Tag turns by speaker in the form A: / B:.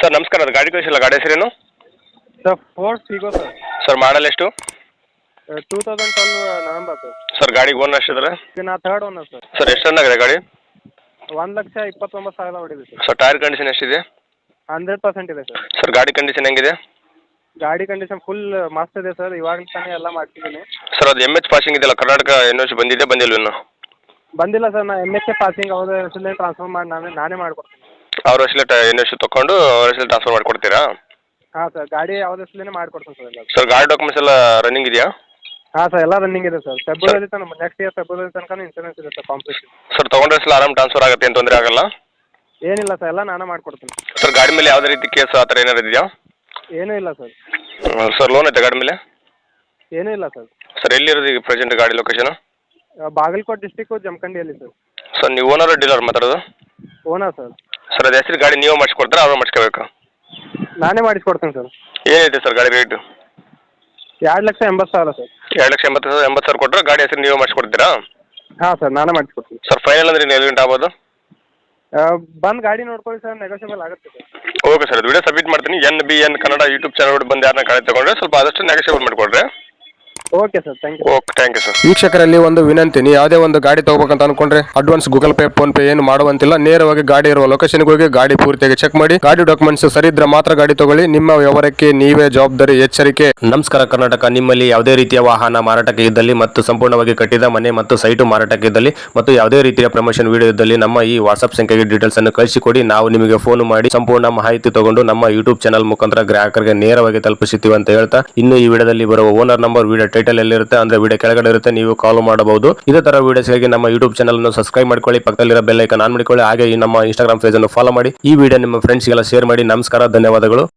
A: Sir ನಮಸ್ಕಾರ, ಅದು ಗಾಡಿ ಕಳಿಸಿಲ್ಲ, ಗಾಡಿ ಹೆಸರೇನು?
B: Sir Ford Figo sir.
A: Sir model ಎಷ್ಟು?
B: 2012 ನವೆಂಬರ್ ಸರ್.
A: ಸರ್ ಗಾಡಿಗೆ ಓನರ್ ಎಷ್ಟಿದ್ದಾರೆ?
B: ನಾ ಥರ್ಡ್ ಓನರ್ ಸರ್.
A: ಸರ್ ಎಷ್ಟು ರನ್ ಆಗಿದೆ ಗಾಡಿ?
B: 1,29,000 ಹೊಡಿದೆ ಸರ್.
A: ಸರ್ ಟೈರ್ ಕಂಡೀಷನ್ ಎಷ್ಟಿದೆ?
B: 100% ಇದೆ ಸರ್.
A: ಸರ್ ಗಾಡಿ ಕಂಡೀಷನ್ ಹೆಂಗಿದೆ?
B: ಗಾಡಿ ಕಂಡೀಷನ್ ಫುಲ್ ಮಸ್ತ್ ಇದೆ ಸರ್. ಇವಾಗ ತಾನೇ ಎಲ್ಲ ಮಾಡ್ತಿದ್ದೀನಿ.
A: ಸರ್ ಅದು ಎಮ್ ಎಚ್ ಪಾಸಿಂಗ್ ಇದೆಯಲ್ಲ, ಕರ್ನಾಟಕ NOC ಬಂದಿದೆ ಬಂದಿಲ್ಲ ಇನ್ನು?
B: ಬಂದಿಲ್ಲ ಸರ್. ನಾ MHA ಪಾಸಿಂಗ್ ಅವ್ರ ಹೆಸರಲ್ಲೇ ಟ್ರಾನ್ಸ್ಫರ್ ಮಾಡಿ ನಾನೇ ಮಾಡ್ಕೊಡ್ತೀನಿ.
A: ಅವ್ರ ಹೆಸರಲ್ಲೇ NOC ತೊಗೊಂಡು ಅವ್ರ ಹೆಸರಲ್ಲಿ ಟ್ರಾನ್ಸ್ಫರ್ ಮಾಡಿಕೊಡ್ತೀರಾ?
B: ಹಾಂ ಸರ್, ಗಾಡಿ ಅವ್ರ ಹೆಸರಲ್ಲೇ ಮಾಡ್ಕೊಡ್ತೀನಿ ಸರ್ ಎಲ್ಲ.
A: ಸರ್ ಗಾಡಿ ಡಾಕ್ಯುಮೆಂಟ್ಸ್ ಎಲ್ಲ ರನ್ನಿಂಗ್ ಇದೆಯಾ?
B: ಹಾಂ ಸರ್, ಎಲ್ಲ ರನ್ನಿಂಗ್ ಇದೆ ಸರ್. ಫೆಬ್ರವರಿ ತನಕ, ನೆಕ್ಸ್ಟ್ ಇಯರ್ ಫೆಬ್ರವರಿ ತನಕ ಇನ್ಸೂರೆನ್ಸ್ ಇದೆ ಸರ್ ಕಂಪ್ಲೀಟ್.
A: ಸರ್ ತೊಗೊಂಡ್ರೆ ಹೆಸರು ಆರಾಮ್ ಟ್ರಾನ್ಸ್ಫರ್ ಆಗುತ್ತೆ, ಏನು ತೊಂದರೆ ಆಗಲ್ಲ?
B: ಏನಿಲ್ಲ ಸರ್, ಎಲ್ಲ ನಾನೇ ಮಾಡ್ಕೊಡ್ತೀನಿ.
A: ಸರ್ ಗಾಡಿ ಮೇಲೆ ಯಾವುದೇ ರೀತಿ ಕೇಸ್ ಆ ಥರ ಏನಾರು ಇದೆಯಾ?
B: ಏನೂ ಇಲ್ಲ ಸರ್.
A: ಸರ್ ಲೋನ್ ಐತೆ ಗಾಡಿ ಮೇಲೆ?
B: ಏನೂ ಇಲ್ಲ ಸರ್.
A: ಸರ್ ಎಲ್ಲಿರೋದು ಈಗ ಪ್ರೆಸೆಂಟ್ ಗಾಡಿ ಲೊಕೇಶನ್?
B: ಬಾಗಲಕೋಟೆ ಡಿಸ್ಟಿಕ್ಕು ಜಮಖಂಡಿಯಲ್ಲಿ ಸರ್.
A: ಸರ್ ನೀವು ಓನರ್ ಡೀಲರ್ ಮಾತಾಡೋದು?
B: Owner sir.
A: ಸರ್ ಅದು ಹೆಸರು ಗಾಡಿ ನೀವು ಮಾಡಿಸ್ಕೊಡ್ತಾರಾ ಅವ್ರು ಮಾಡಿಸ್ಕೋಬೇಕಾ?
B: ನಾನೇ ಮಾಡಿಸ್ಕೊಡ್ತೀನಿ ಸರ್.
A: ಏನಿದೆ ಸರ್ ಗಾಡಿ ರೇಟು?
B: 2,80,000 ಸರ್.
A: 2,80,000 ಕೊಟ್ಟರೆ ಗಾಡಿ ಹೆಸರು ನೀವೇ ಮಾಡಿಸ್ಕೊಡ್ತೀರಾ?
B: ಹಾಂ ಸರ್, ನಾನೇ ಮಾಡಿಸ್ಕೊಡ್ತೀನಿ.
A: ಸರ್ ಫೈನಲ್ ಅಂದ್ರೆ ನೀವು ಎಲ್ಲಿ ಗಂಟೆ ಆಗ್ಬೋದು?
B: ಬಂದು ಗಾಡಿ ನೋಡ್ಕೊಳ್ಳಿ ಸರ್, ನೆಗೋಷಿಯಬಲ್ ಆಗುತ್ತೆ ಸರ್.
A: ಓಕೆ ಸರ್, ಅದು ವಿಡಿಯೋ ಸಬ್ಮಿಟ್ ಮಾಡ್ತೀನಿ. NBN ಕನ್ನಡ ಯೂಟ್ಯೂಬ್ ಚಾನಲ್ ಬಂದು ಯಾರನ್ನ ಗಾಡಿ ತಗೊಂಡ್ರೆ ಸ್ವಲ್ಪ ಆದಷ್ಟು ನೆಗೋಷಿಯಬಲ್ ಮಾಡಿಕೊಡ್ರಿ.
B: Okay sir, thank you.
A: Okay, thank you sir.
C: ವೀಕ್ಷಕರಲ್ಲಿ ಒಂದು ವಿನಂತಿ, ನೀವು ಯಾವುದೇ ಒಂದು ಗಾಡಿ ತಗೋಬೇಕಂತ ಅನ್ಕೊಂಡ್ರೆ advance Google Pay PhonePe ಏನು ಮಾಡುವಂತಿಲ್ಲ. ನೇರವಾಗಿ ಗಾಡಿ ಇರುವ ಲೊಕೇಶನ್ಗೆ ಹೋಗಿ ಗಾಡಿ ಪೂರ್ತಿಯಾಗಿ ಚೆಕ್ ಮಾಡಿ, ಗಾಡಿ ಡಾಕ್ಯುಮೆಂಟ್ಸ್ ಸರಿ ಇದ್ರೆ ಮಾತ್ರ ಗಾಡಿ ತಗೊಳ್ಳಿ. ನಿಮ್ಮ ವ್ಯವಹಾರಕ್ಕೆ ನೀವೇ ಜವಾಬ್ದಾರಿ. ಎಚ್ಚರಿಕೆ.
D: ನಮಸ್ಕಾರ ಕರ್ನಾಟಕ. ನಿಮ್ಮಲ್ಲಿ ಯಾವುದೇ ರೀತಿಯ ವಾಹನ ಮಾರಾಟಕ್ಕೆ ಇದ್ದಲ್ಲಿ ಮತ್ತು ಸಂಪೂರ್ಣವಾಗಿ ಕಟ್ಟಿದ ಮನೆ ಮತ್ತು ಸೈಟು ಮಾರಾಟಕ್ಕೆ ಇದ್ದಲ್ಲಿ ಮತ್ತು ಯಾವುದೇ ರೀತಿಯ ಪ್ರಮೋಷನ್ ವಿಡಿಯೋ ಇದ್ದಲ್ಲಿ ನಮ್ಮ ಈ ವಾಟ್ಸ್ಆಪ್ ಸಂಖ್ಯೆಗೆ ಡೀಟೇಲ್ಸ್ ಅನ್ನು ಕಳಿಸಿಕೊಡಿ. ನಾವು ನಿಮಗೆ ಫೋನ್ ಮಾಡಿ ಸಂಪೂರ್ಣ ಮಾಹಿತಿ ತಗೊಂಡು ನಮ್ಮ ಯೂಟ್ಯೂಬ್ ಚಾನಲ್ ಮುಖಾಂತರ ಗ್ರಾಹಕರಿಗೆ ನೇರವಾಗಿ ತಲುಪಿಸುತ್ತೀವಿ ಅಂತ ಹೇಳ್ತಾ, ಇನ್ನು ಈ ವಿಡಿಯೋದಲ್ಲಿ ಬರುವ ಓನರ್ ನಂಬರ್ ವಿಡಿಯೋ ಟೈಟಲ್ ಎಲ್ಲಿರುತ್ತೆ ಅಂದ್ರೆ ವಿಡಿಯೋ ಕೆಳಗಡೆ ಇರುತ್ತೆ, ನೀವು ಕಾಲ್ ಮಾಡಬಹುದು. ಇದೇ ತರ ವಿಡಿಯೋಸ್ಗಾಗಿ ನಮ್ಮ ಯೂಟ್ಯೂಬ್ ಚಾನಲ್ ಅನ್ನು ಸಬ್ಸ್ಕ್ರೈಬ್ ಮಾಡ್ಕೊಳ್ಳಿ, ಪಕ್ಕದಲ್ಲಿರೋ ಬೆಲ್ ಐಕಾನ್ ಆನ್ ಮಾಡಿಕೊಳ್ಳಿ. ಹಾಗೆ ಈ ನಮ್ಮ ಇನ್ಸ್ಟಾಗ್ರಾಮ್ ಪೇಜ್ ಅನ್ನು ಫಾಲೋ ಮಾಡಿ. ಈ ವಿಡಿಯೋ ನಿಮ್ಮ ಫ್ರೆಂಡ್ಸ್ಗೆಲ್ಲ ಶೇರ್ ಮಾಡಿ. ನಮಸ್ಕಾರ, ಧನ್ಯವಾದಗಳು.